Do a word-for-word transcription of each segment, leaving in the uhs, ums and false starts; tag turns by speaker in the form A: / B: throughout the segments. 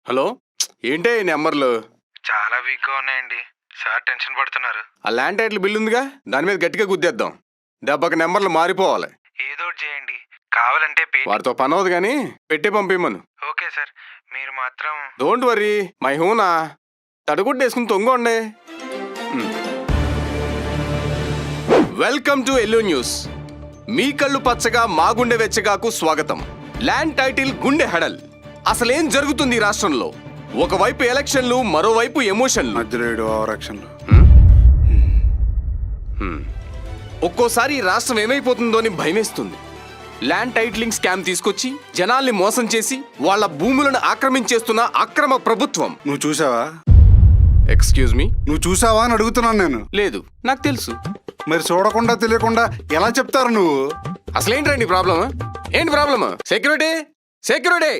A: Hello, ఏంటే ఈ నెంబర్లు?
B: చాలా వీక్గా ఉన్నాయండి. సార్ టెన్షన్ పడుతున్నారు.
A: ఆ ల్యాండ్ టైటిల్ బిల్ ఉందిగా, దాని మీద గట్టిగా గుద్దేద్దాం. దెబ్బకి నెంబర్లు మారిపోవాలి.
B: ఏదో ఒకటి చేయండి. కావాలంటే పే.
A: వారితో పని అవదు కానీ పెట్టి పంపిమ్మను.
B: ఓకే సార్, మీరు మాత్రం
A: డోంట్ వరీ, మై హూనా. తడుగుడ్డు వేసుకుని తొంగండి. Welcome to yellow news. మీ కళ్ళు పచ్చగా మా గుండె వెచ్చగాకు స్వాగతం. ల్యాండ్ టైటిల్ గుండె హెడల్. అసలేం జరుగుతుంది ఈ రాష్ట్రంలో? ఒకవైపు ఎలక్షన్లు, మరోవైపు ఎమోషన్లు. ఒక్కోసారి ఈ రాష్ట్రం ఏమైపోతుందో అని భయమేస్తుంది. ల్యాండ్ టైటిలింగ్ స్కామ్ తీసుకొచ్చి జనాల్ని మోసం చేసి వాళ్ళ భూములను ఆక్రమించేస్తున్న అక్రమ ప్రభుత్వం.
C: నువ్వు చూసావా?
A: ఎక్స్క్యూజ్ మీ,
C: నువ్వు చూసావా అని అడుగుతున్నాను నేను.
A: లేదు, నాకు తెలుసు.
C: మరి చూడకుండా తెలియకుండా ఎలా చెప్తారు నువ్వు?
A: అసలేంటండి ప్రాబ్లమ్? ఏంటి ప్రాబ్లమ్? సెక్యూరిటీ సెక్యూరిటీ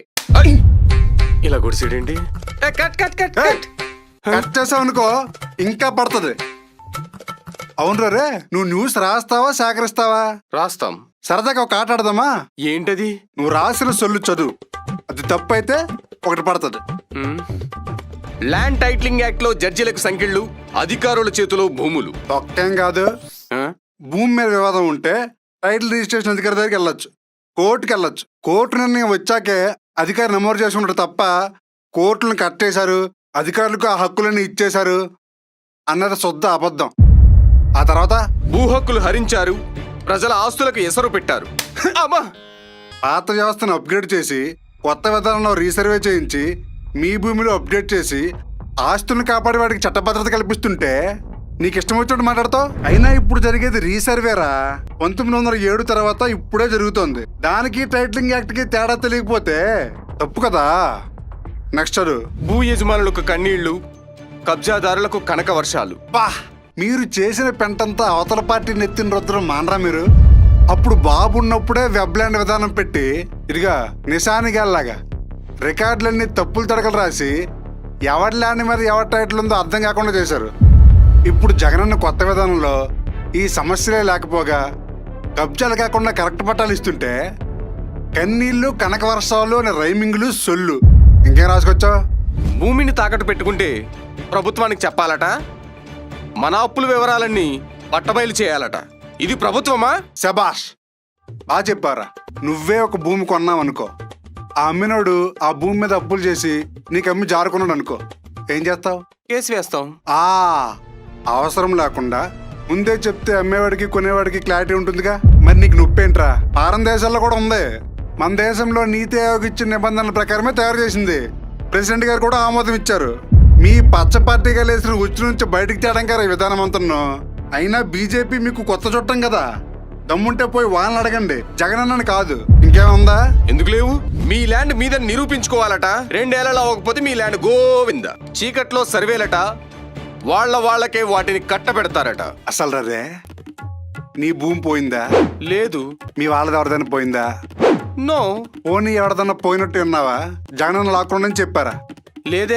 A: ఇలా గుడిసేడేంటి? Cut cut cut cut
C: cut చేసావు అనుకో ఇంకా పడుతుంది. అవును రే, నువ్వు న్యూస్ రాస్తావా సేకరిస్తావా?
A: రాస్తాం.
C: సరదాగా ఒక ఆట ఆడదామా?
A: ఏంటది?
C: నువ్వు రాసిన సొల్లు చదువు, అది తప్పు అయితే ఒకటి పడుతుంది.
A: ల్యాండ్ టైటిలింగ్ యాక్ట్ లో జడ్జిలకు సంఖ్యలు, అధికారుల చేతిలో భూములు.
C: ఒక్కేం కాదు,
A: ఆ?
C: భూమి మీద వివాదం ఉంటే టైటిల్ రిజిస్ట్రేషన్ అధికారి దగ్గరికి వెళ్ళొచ్చు, కోర్టుకి వెళ్ళొచ్చు. కోర్టు నిర్ణయం వచ్చాకే అధికారి నమోదు చేసుకుంటారు తప్ప కోర్టులను కట్టేశారు, అధికారులకు ఆ హక్కులను ఇచ్చేశారు అన్నది శుద్ధ అబద్ధం. ఆ తర్వాత
A: భూ హక్కులు హరించారు, ప్రజల ఆస్తులకు ఎసరు పెట్టారు. అమ్మా!
C: పాత వ్యవస్థను అప్గ్రేడ్ చేసి కొత్త విధానంలో రీసర్వే చేయించి మీ భూమిలో అప్డేట్ చేసి ఆస్తులను కాపాడే వాడికి చట్టభద్రత కల్పిస్తుంటే నీకు ఇష్టం వచ్చినట్టు మాట్లాడతావు. అయినా ఇప్పుడు జరిగేది రీసర్వేరా. పంతొమ్మిది వందల ఏడు తర్వాత ఇప్పుడే జరుగుతోంది. దానికి టైటిలింగ్ యాక్ట్ కి తేడా తెలియకపోతే తప్పు కదా. నెక్స్ట్ చదువు.
A: భూ యజమానులకు కన్నీళ్లు, కబ్జాదారులకు కనక వర్షాలు.
C: బా, మీరు చేసిన పెంటంతా అవతల పార్టీ నెత్తిన రుద్రం మానరా మీరు? అప్పుడు బాబు ఉన్నప్పుడే వెబ్లాండ్ విధానం పెట్టి ఇదిగా నిశానిగాల్లాగా రికార్డులన్నీ తప్పులు తడకలు రాసి ఎవరి ల్యాండ్ మీద ఎవరి టైటిల్ ఉందో అర్థం కాకుండా చేశారు. ఇప్పుడు జగనన్న కొత్త విధానంలో ఈ సమస్యలే లేకపోగా కబ్జాలు కాకుండా కరెక్ట్ పట్టాలు ఇస్తుంటే కన్నీళ్లు, కనక వర్షాలు అనే రైమింగ్లు, సొల్లు ఇంకేం రాసుకొచ్చావు?
A: భూమిని తాకట్టు పెట్టుకుంటే ప్రభుత్వానికి చెప్పాలట, మన అప్పుల వివరాలన్నీ పట్టబయలు చేయాలట. ఇది ప్రభుత్వమా?
C: శబాష్, బాగా చెప్పారా. నువ్వే ఒక భూమి కొన్నావనుకో, ఆ అమ్మినోడు ఆ భూమి మీద అప్పులు చేసి నీకు అమ్మి జారుకున్నాడు అనుకో, ఏం చేస్తావు?
A: కేసు వేస్తాం.
C: ఆ అవసరం లేకుండా ముందే చెప్తే అమ్మేవాడికి కొనేవాడికి క్లారిటీ ఉంటుందిగా. మరి నీకు నొప్పేంట్రా? పారం దేశాల్లో కూడా ఉంది. మన దేశంలో నీతి ఆయోగ్ ఇచ్చిన నిబంధనల ప్రకారమే తయారు చేసింది. ప్రెసిడెంట్ గారు కూడా ఆమోదం ఇచ్చారు. మీ పచ్చ పార్టీగా లేసిన ఉచ్చు నుంచి బయటికి తేడం కదా ఈ విధానం అంతను. అయినా బీజేపీ మీకు కొత్త చుట్టం కదా, దమ్ముంటే పోయి వాళ్ళని అడగండి, జగనన్నని కాదు. ఇంకేముందా?
A: ఎందుకు లేవు? మీ ల్యాండ్ మీద నిరూపించుకోవాలట. రెండేళ్లలో అవ్వకపోతే మీ ల్యాండ్ గోవింద. చీకట్లో సర్వేలట, వాళ్ళ వాళ్ళకే వాటిని కట్టబెడతారట.
C: అసలు రే, నీ భూమి పోయిందా?
A: లేదు.
C: మీ వాళ్ళది ఎవరిదైనా పోయిందా?
A: నో.
C: పోనీ ఎవరిదన్నా పోయినట్టు ఉన్నావా? జగనన్న లాక్కుండా చెప్పారా?
A: లేదే.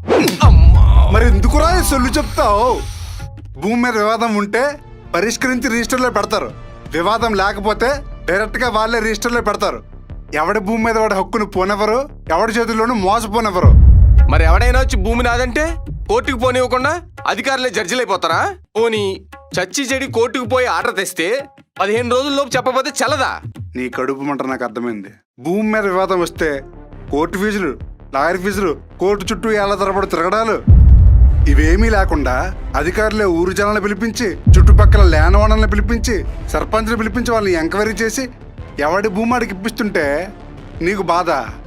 C: మరి ఎందుకురా ఈ సొల్లు చెప్తావు? భూమి మీద వివాదం ఉంటే పరిష్కరించి రిజిస్టర్లో పెడతారు. వివాదం లేకపోతే డైరెక్ట్ గా వాళ్ళే రిజిస్టర్లో పెడతారు. ఎవడి భూమి మీద వాడి హక్కును పోనెవరు, ఎవడి చేతుల్లోనూ మోసపోనెవరు.
A: మరి ఎవడైనా వచ్చి భూమి నాదంటే కోర్టుకు పోనివ్వకుండా అధికారులే జడ్జిలైపోతారా? పోనీ చచ్చి చెడి కోర్టుకు పోయి ఆర్డర్ తెస్తే పదిహేను రోజుల్లోపు చెప్పకపోతే చల్లదా?
C: నీ కడుపు మంట నాకు అర్థమైంది. భూమి మీద వివాదం వస్తే కోర్టు ఫీజులు, లాయర్ ఫీజులు, కోర్టు చుట్టూ ఏళ్ల తరబడి తిరగడాలు, ఇవేమీ లేకుండా అధికారులే ఊరు జనాలను పిలిపించి, చుట్టుపక్కల ల్యాండ్ ఓనర్లను పిలిపించి, సర్పంచ్ని పిలిపించి వాళ్ళని ఎంక్వైరీ చేసి ఎవడి భూమి అడిగి ఇప్పిస్తుంటే నీకు బాధ.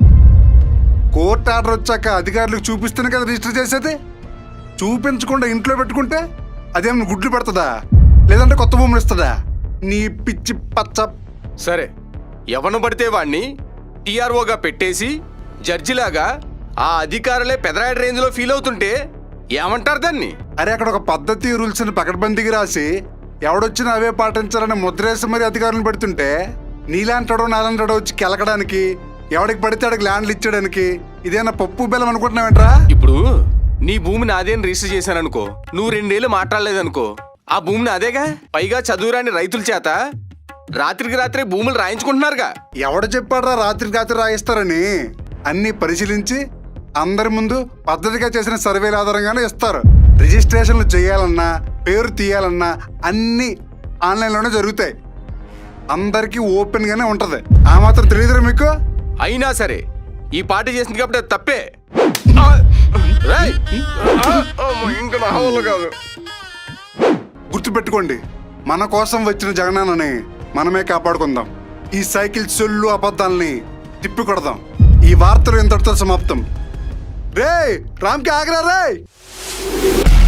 C: కోర్టు ఆర్డర్ వచ్చాక అధికారులకు చూపిస్తేనే కదా రిజిస్టర్ చేసేది. చూపించకుండా ఇంట్లో పెట్టుకుంటే అదేమన్నా గుడ్లు పెడుతుందా, లేదంటే కొత్త భూములు ఇస్తుందా? నీ పిచ్చి పచ్చ.
A: సరే, ఎవను పడితే వాణ్ణి టీఆర్ఓగా పెట్టేసి జడ్జిలాగా ఆ అధికారులే పెదరాయడ రేంజ్ లో ఫీల్ అవుతుంటే ఏమంటారు దాన్ని?
C: అరే, అక్కడ ఒక పద్ధతి రూల్స్ ని పకడ్బందీకి రాసి ఎవడొచ్చినా అవే పాటించాలని ముద్రేసి మరి అధికారులను పెడుతుంటే నీలాంటాడో నాలంటాడో వచ్చి కెలకడానికి, ఎవడికి పడితే ఆడికి ల్యాండ్లు ఇచ్చడానికి ఇదేనా పప్పు బెల్లం అనుకుంటున్నావేంట్రా?
A: ఇప్పుడు నీ భూమిని అదేని రిజిస్టర్ చేశాననుకో, నువ్వు రెండేళ్ళు మాట్లాడలేదనుకో, ఆ భూమిని అదేగా. పైగా చదువురాని రైతుల చేత రాత్రికి రాత్రే భూములు రాయించుకుంటున్నారుగా.
C: ఎవడు చెప్పాడ్రా రాత్రికి రాత్రి రాయిస్తారని? అన్ని పరిశీలించి అందరి ముందు పద్ధతిగా చేసిన సర్వేల ఆధారంగానే ఇస్తారు. రిజిస్ట్రేషన్లు చేయాలన్నా పేరు తీయాలన్నా అన్నీ ఆన్లైన్లోనే జరుగుతాయి. అందరికీ ఓపెన్గానే ఉంటుంది. ఆ మాత్రం తెలియదురా మీకు?
A: అయినా సరే ఈ పార్టీ చేసింది కాబట్టి అది తప్పే. ఆ! రేయ్! ఆ! అమ్మో, ఇంకా నా వల్ల కాదు.
C: గుర్తుపెట్టుకోండి, మన కోసం వచ్చిన జగనాన్నని మనమే కాపాడుకుందాం. ఈ సైకిల్ సొల్లు అబద్ధాలని తిప్పి కొడదాం. ఈ వార్తలు ఇంతటితో సమాప్తం. రేయ్, రామ్కి ఆగరా రేయ్.